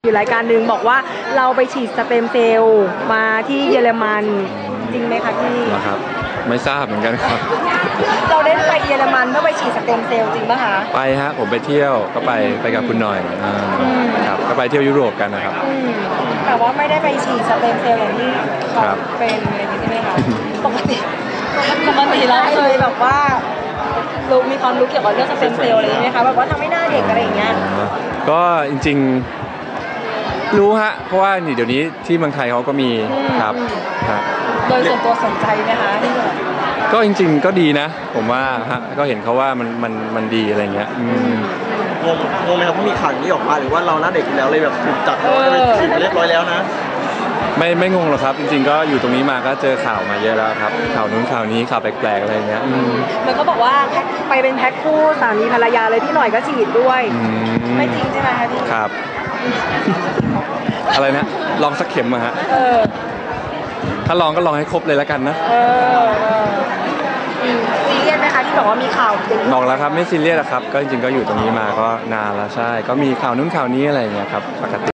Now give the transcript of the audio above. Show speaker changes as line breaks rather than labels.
อยู่รายการหนึ่งบอกว่าเราไปฉีดสเต็มเซลล์มาที่เยอรมันจริงไหมคะพี่
ครับไม่ทราบเหมือนกันครับ
เราได้ไปเยอรมันเพื่อไปฉีดสเต็มเซลล์จริงป่ะคะ
ไปฮะผมไปเที่ยวก็ไปกับคุณหน่อยครับก็ไปเที่ยวยุโรปกันนะครับ
แต่ว่าไม่ได้ไปฉีดสเต็มเซลล์อย่างที่เขาเป็นอะไรอย่างนี้ใช่ไหมคะปกติเราเคยแบบว่ารู้มีความรู้เกี่ยวกับเรื่องสเต็มเซลล์อะไรไหมคะแบบว่าทำให้หน้าเด็กอะไรอย่างเงี้ย
ก็จริงๆรู้ฮะเพราะว่าเดี๋ยวนี้ที่เมืองไทยเขาก็มีครับ
โดยส่วนตัวสนใจไหมคะ
ก็จริงๆก็ดีนะผมว่าฮะก็เห็นเขาว่ามันดีอะไรเงี้ย
งงไหมครับเพราะมีข่าวนี้ออกมาหรือว่าเราหน้าเด็กอยู่แล้วเลยแบบถูกจับฉีดเรียบร้อยแล้วนะ
ไม่งงหรอกครับจริงๆก็อยู่ตรงนี้มาก็เจอข่าวมาเยอะแล้วครับข่าวนู้นข่าวนี้ข่าวแปลกๆอะไรเงี้ย
มันก็บอกว่าไปเป็นแพ็คคู่สามีภรรยาเลยพี่หน่อยก็ฉีดด้วยไม่จริงใช่ไหมคะพี่
ครับอะไรนะลองสักเข็มมาฮะถ้าลองก็ลองให้ครบเลยแล้วกันนะ
ซีเรียสไหมคะที่บอกว่ามีข่าว
บอกแล้วครับไม่ซีเรียสครับก็จริงๆก็อยู่ตรงนี้มาก็นานแล้วใช่ก็มีข่าวนู้นข่าวนี้อะไรเงี้ยครับปกติ